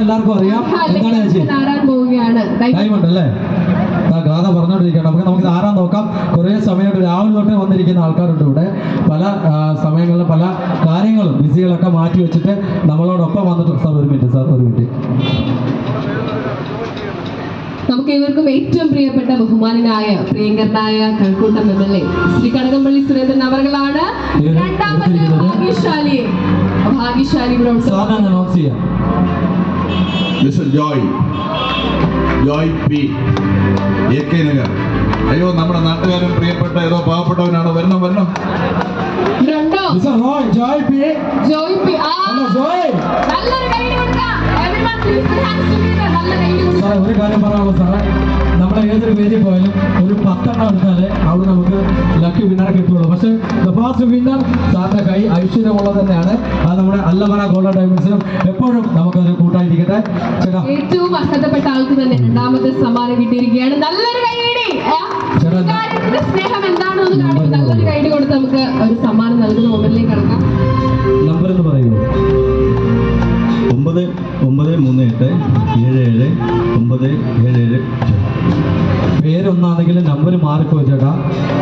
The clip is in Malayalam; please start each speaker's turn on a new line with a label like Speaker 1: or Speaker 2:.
Speaker 1: എല്ലാവർക്കും അറിയാം. എന്താണ് ചേച്ചി? ഡയമണ്ട് അല്ലേ? ഗാഥ പറഞ്ഞോണ്ടിരിക്കുകയാണ്. നമുക്ക് ആരാൻ നോക്കാം. കുറേ സമയമായിട്ട് രാവിലെ തൊട്ടേ വന്നിരിക്കുന്ന ആൾക്കാരുണ്ട് ഇവിടെ. പല സമയങ്ങളിലും പല കാര്യങ്ങളും ബിസികളൊക്കെ മാറ്റി വെച്ചിട്ട് നമ്മളോടൊപ്പം വന്നിട്ട് സാർ ഒരു മിനിറ്റ്.
Speaker 2: നമുക്ക് ഏവർക്കും ഏറ്റവും പ്രിയപ്പെട്ട ബഹുമാനനായ പ്രിയങ്കരനായ കഴക്കൂട്ടം MLA ശ്രീ കടകംപള്ളി സുരേന്ദ്രൻ അവർകളാണ് രണ്ടാമത്തെ ഭാഗ്യശാലി
Speaker 3: ജോയ് പി AK നഗർ. അയ്യോ, നമ്മുടെ നാട്ടുകാരൻ പ്രിയപ്പെട്ട ഏതോ പാവപ്പെട്ടവനാണ്. വരണം.
Speaker 1: ഒരു കാര്യം പറയാനുള്ളത് സാറേ, നമ്മളെ ഏതൊരു വേദി പോയാലും ഒരു 10 എണ്ണം എടുത്താലേ അവിടെ നമുക്ക് ലക്കി വിന്നറെ കിട്ടുള്ളൂ. പക്ഷേ ദ ഫാസ്റ്റ് വിന്നർ സാറിന്റെ കൈ ഐശ്വര്യമുള്ളത് തന്നെയാണ്. അത് നമ്മുടെ അല്ലമന ഗോൾഡൻ ഡയമണ്ട്സിനും എപ്പോഴും നമുക്കതൊരു കൂട്ടായിരിക്കട്ടെ. ചേട്ടാ,
Speaker 2: ഏറ്റവും അർഹതപ്പെട്ട ആൾക്ക് തന്നെ രണ്ടാമത്തെ സമ്മാനം കിട്ടിയിരിക്കുകയാണ്. നല്ലൊരു കൈയടി. സ്നേഹം എന്താണെന്ന് കാണിക്കും. നല്ലൊരു കൈയടി കൊടുത്ത് നമുക്ക് ഒരു സമ്മാനം നൽകുന്ന മൊബൈലിലേക്ക് കടക്കാം.
Speaker 1: നമ്പർ എന്ന് പറയുമോ?
Speaker 4: 9938779777.
Speaker 1: പേരൊന്നാണെങ്കിലും നമ്പർ മാറിപ്പോയി ചേട്ടാ.